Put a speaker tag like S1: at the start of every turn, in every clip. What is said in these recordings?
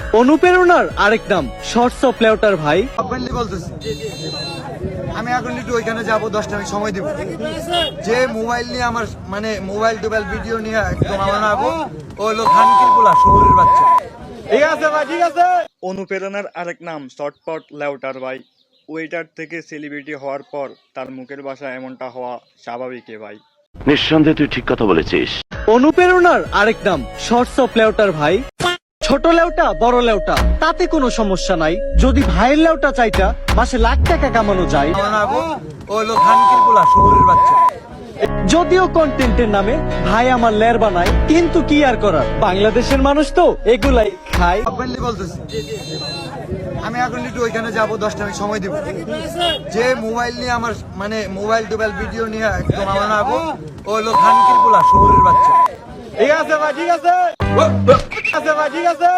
S1: অনুপ্রেরণার আরেক নাম শর্টস অফ লেউটার ভাই।
S2: ওপেনলি বলতেছি, আমি এখন একটু ওইখানে যাবো, 10টা আমি সময় দিব। যে মোবাইল নিয়ে আমার মোবাইল টোবাইল ভিডিও নিয়ে একদম আমার আবো, ও হলো খানকির পোলা, শহরের বাচ্চা। ঠিক আছে ভাই, ঠিক আছে।
S3: অনুপ্রেরণার আরেক নাম শর্টপট লেউটার ভাই। ওয়েটার থেকে সেলিব্রিটি হওয়ার পর তার মুখের ভাষা এমনটা হওয়া স্বাভাবিক ভাই।
S4: নিঃসন্দেহে তুই ঠিক কথা বলেছিস।
S1: অনুপ্রেরণার আরেক নাম শর্টস অফ লেউটার ভাই। ছোট লেউটা বড় লেউটা তাতে কোনো সমস্যা নাই, যদি ভাইয়ের লেউটা চাইটা মাসে লাখ টাকা কামানো যায়।
S2: আমার আবো, ও হলো খানকির পোলা, শহরের বাচ্চা।
S1: যদিও কন্টেন্টের নামে ভাই আমার লের বানায়, কিন্তু কি আর করার, বাংলাদেশের মানুষ তো এগুলাই খায়।
S2: ওপেনলি বলতেছি, আমি এখন একটু ওইখানে যাবো, 10টা আমি সময় দিব। যে মোবাইল নিয়ে আমার মোবাইল টোবাইল ভিডিও নিয়ে একদম আমার আবো, ও হলো খানকির পোলা, শহরের বাচ্চা। ঠিক আছে ভাই, ঠিক আছে। ঠিক আছে ভাই, ঠিক আছে।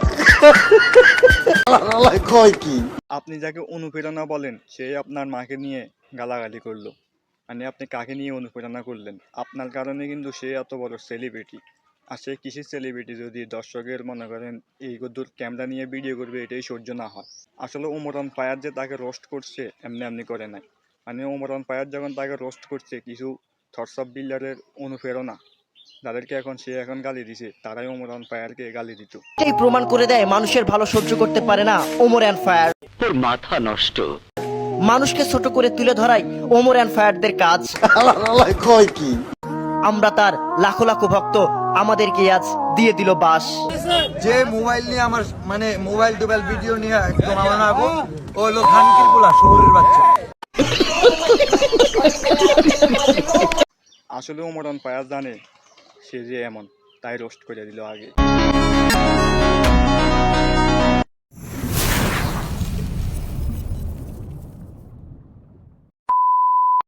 S3: আপনি যাকে অনুপ্রেরণা বলেন সে আপনার মাকে নিয়ে গালাগালি করলো, মানে আপনি কাকে নিয়ে অনুপ্রেরণা করলেন? আপনার কারণে কিন্তু সে এত বড় সেলিব্রিটি। আর সে কিসের সেলিব্রিটি যদি দর্শকের মনে করেন এই দূর ক্যামেরা নিয়ে ভিডিও করবে এটাই সহ্য না হয়। আসলে ওমরান ফায়ার যে তাকে রোস্ট করছে এমনি এমনি করে নাই, মানে ওমরান ফায়ার যখন তাকে রোস্ট করছে কিছু থটস অফ বিল্ডারের অনুপ্রেরণা যাদেরকে এখন সে এখন গালি দিছে তারাই ওমরান ফায়ারকে গালি দিত।
S5: এই প্রমাণ করে দেয় মানুষের ভালো সহ্য করতে পারে না ওমর অ্যান্ড ফায়ার।
S4: তোর মাথা নষ্ট।
S5: মানুষকে ছোট করে তুলে ধরাই ওমর অ্যান্ড ফায়ারদের কাজ। আমরা তার লাখো লাখো ভক্ত, আমাদেরকে আজ দিয়ে দিল বাস।
S2: যে মোবাইল নিয়ে আমার মোবাইল টোবাইল ভিডিও নিয়ে একদম আমার আবো, ও হলো খানকির পোলা, শহরের বাচ্চা।
S3: আসলে ওমরান ফায়ার জানে সে যে এমন, তাই রোস্ট করে দিল আগে।